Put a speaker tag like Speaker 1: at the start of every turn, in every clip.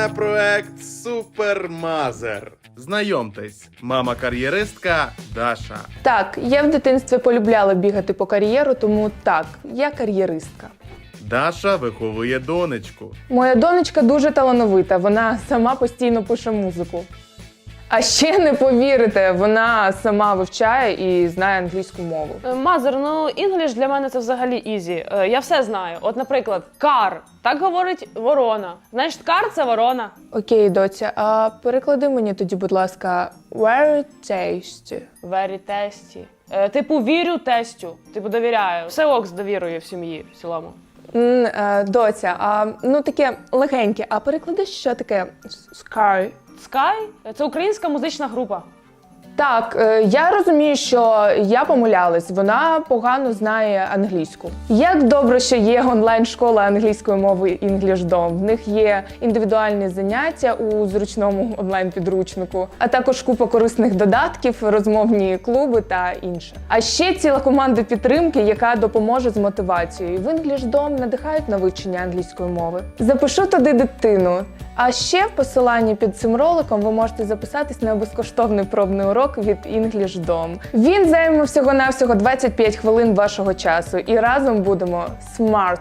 Speaker 1: на проект Супермазер. Знайомтесь, мама-кар'єристка Даша.
Speaker 2: Так, я в дитинстві полюбляла бігати по кар'єру, тому так, я кар'єристка.
Speaker 1: Даша виховує донечку.
Speaker 2: Моя донечка дуже талановита, вона сама постійно пише музику. А ще не повірите, вона сама вивчає і знає англійську мову.
Speaker 3: Мазер, ну інгліш для мене це взагалі ізі. Я все знаю. От, наприклад, кар. Так говорить ворона. Знаєш, кар – це ворона.
Speaker 2: Окей, доця, а переклади мені тоді, будь ласка, very tasty.
Speaker 3: Very tasty. Типу, вірю тестю. Типу, довіряю. Все ок з довірою в сім'ї в цілому.
Speaker 2: Доця, ну таке легеньке, а переклади, що таке sky?
Speaker 3: Sky – це українська музична група.
Speaker 2: Так, я розумію, що я помилялась, вона погано знає англійську. Як добре, що є онлайн-школа англійської мови EnglishDom. В них є індивідуальні заняття у зручному онлайн-підручнику, а також купа корисних додатків, розмовні клуби та інше. А ще ціла команда підтримки, яка допоможе з мотивацією. В EnglishDom надихають на вивчення англійської мови. Запишу туди дитину. А ще в посиланні під цим роликом ви можете записатись на безкоштовний пробний урок від EnglishDom. Він займе всього-навсього 25 хвилин вашого часу і разом будемо smart.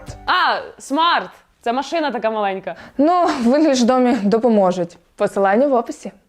Speaker 3: Смарт! Це машина така маленька.
Speaker 2: Ну, в EnglishDom допоможуть. Посилання в описі.